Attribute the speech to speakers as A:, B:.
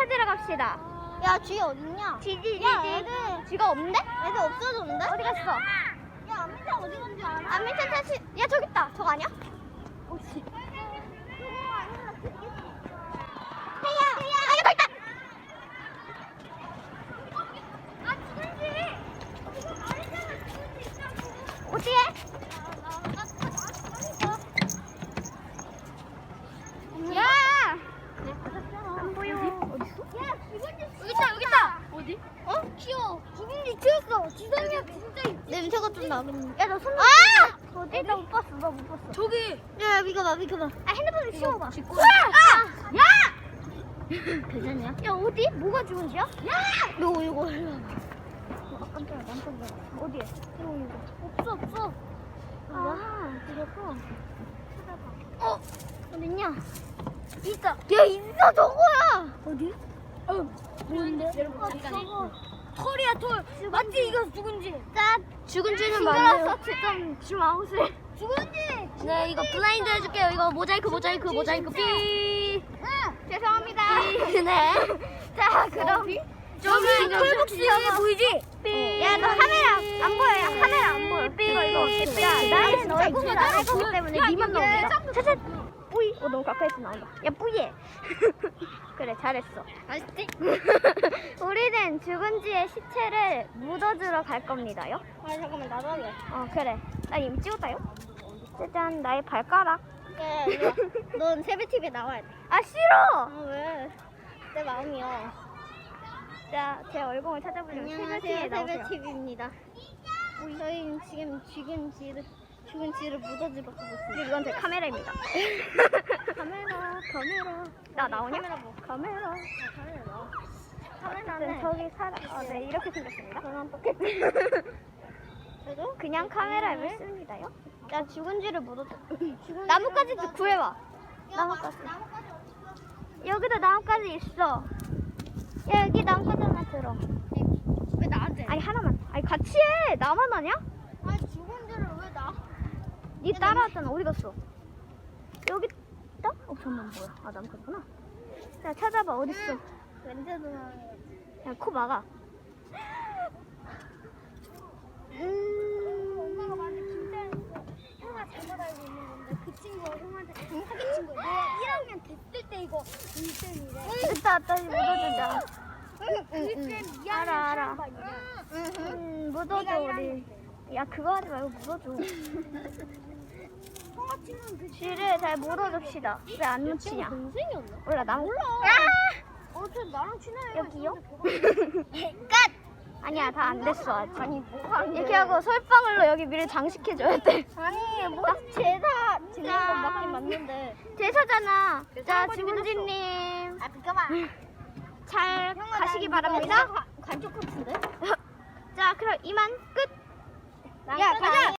A: 찾으러 갑시다.
B: 야, 쥐 어딨냐?
A: 지지.
B: 야, 애들
A: 쥐가 없는데?
B: 없어졌는데?
A: 어디 갔어?
B: 야, 안민찬 어디 간지 알아?
A: 안민찬 찾지. 야 저기 있다. 저거 아니야?
B: 혹시?
A: 해야. 아 여기 있다. 어디에? 야! 안 보여. 어딨어?
B: 야, 죽은지
A: 여기 있다, 여기 있다.
B: 어디? 어? 귀여워. 죽은지 튀었어. 지성이야, 진짜. 냄새가 좀 나겠네.
A: 야, 너 손.
B: 아!
A: 어디? 나 못 봤어. 나 못 봤어.
B: 저기. 야, 비켜봐.
A: 아, 핸드폰을 씌워봐.
B: 아!
A: 야!
B: 괜찮냐?
A: 야, 어디? 뭐가 죽은지야? 야!
B: 이거 일로 와봐.
A: 깜짝이야, 깜짝이야. 어디에?
B: 없어, 없어.
A: 아,
B: 이거
A: 어? 어딨냐?
B: 있다.
A: 야, 있어, 저거야!
B: 어디? 뭔데? 저거 털이야, 털. 맞지? 이거 죽은지.
A: 짠! 죽은지는
B: 징그러웠어,
A: 좀 아웃을.
B: 죽은지.
A: 네, 이거 블라인드 해줄게요. 이거 모자이크 삐. 죄송합니다. 네. 자, 그럼.
B: 저기 털복스 보이지?
A: 삐. 야, 너 카메라 안 보여. 야, 카메라 안 보여. 이거. 야, 나는 얼굴을 안 할 거기 때문에 니만 나오냐? 차차. 뿌이. 너무 가까이서 나온다. 야, 뿌이해. 그래, 잘했어.
B: 맛있지?
A: 우리는 죽은지의 시체를 묻어주러 갈 겁니다요.
B: 아, 잠깐만, 나도 할래.
A: 그래. 나 이미 찍었다요. 짜잔, 나의 발가락.
B: 야, 이리 와. 넌 세배TV에 나와야 돼.
A: 아, 싫어!
B: 아, 왜? 내 마음이야.
A: 자, 제 얼굴을 찾아보려면
B: 안녕하세요,
A: 세배TV에 나오세요.
B: 세배TV입니다. 저희는 지금 죽은지를 묻어주러 가고 있습니다.
A: 이건 제 카메라입니다.
B: 카메라.
A: 나 나오냐?
B: 카메라 뭐?
A: 카메라.
B: 카메라는
A: 저기 네, 이렇게 생겼습니다.
B: 전원 포켓. 저도?
A: 그냥 카메라를 씁니다요.
B: 야, 죽은지를 묻어줘.
A: 나뭇가지 구해와.
B: 나뭇가지.
A: 여기도 나뭇가지 있어. 야, 여기 나뭇가지 하나 들어.
B: 왜 나한테?
A: 아니, 하나만. 아니, 같이 해. 나만 하냐?
B: 아니, 죽은지를 왜 나?
A: 니 따라왔잖아. 어디 갔어? 여기 있다? 잠깐만, 뭐야. 아, 나뭇가지구나. 자, 찾아봐. 어딨어?
B: 왠지도 나.
A: 야, 코 막아.
B: 엄마가 나한테 진짜 형아 잘못 알고 있는 건데 그 친구가 형한테 사귄 친구야. 내가 1학년 됐을 때 이거 인생이래.
A: 됐다, 다시 묻어주자.
B: 그때
A: 알아.
B: 미안해.
A: 묻어줘, 우리. 야, 그거 하지 말고 묻어줘.
B: 형아 친구는 그
A: 쥐를 잘 물어줍시다. 왜 안 묻히냐?
B: 동생이었나?
A: 몰라, 나
B: 몰라.
A: 야!
B: 저 나랑 친해요.
A: 여기요?
B: 끝.
A: 아니야, 다 안 됐어, 아직.
B: 아니 뭐가 안 돼?
A: 이렇게 하고 솔방울로 여기 미를 장식해줘야 돼.
B: 아니 뭐 제사 지내는 건 맞긴 맞는데.
A: 제사잖아. 자,
B: 할아버지
A: 지문지님.
B: 아 잠깐만.
A: 잘 가시기 바랍니다.
B: 관쪽 같은데?
A: 자, 그럼 이만 끝.
B: 야 가자.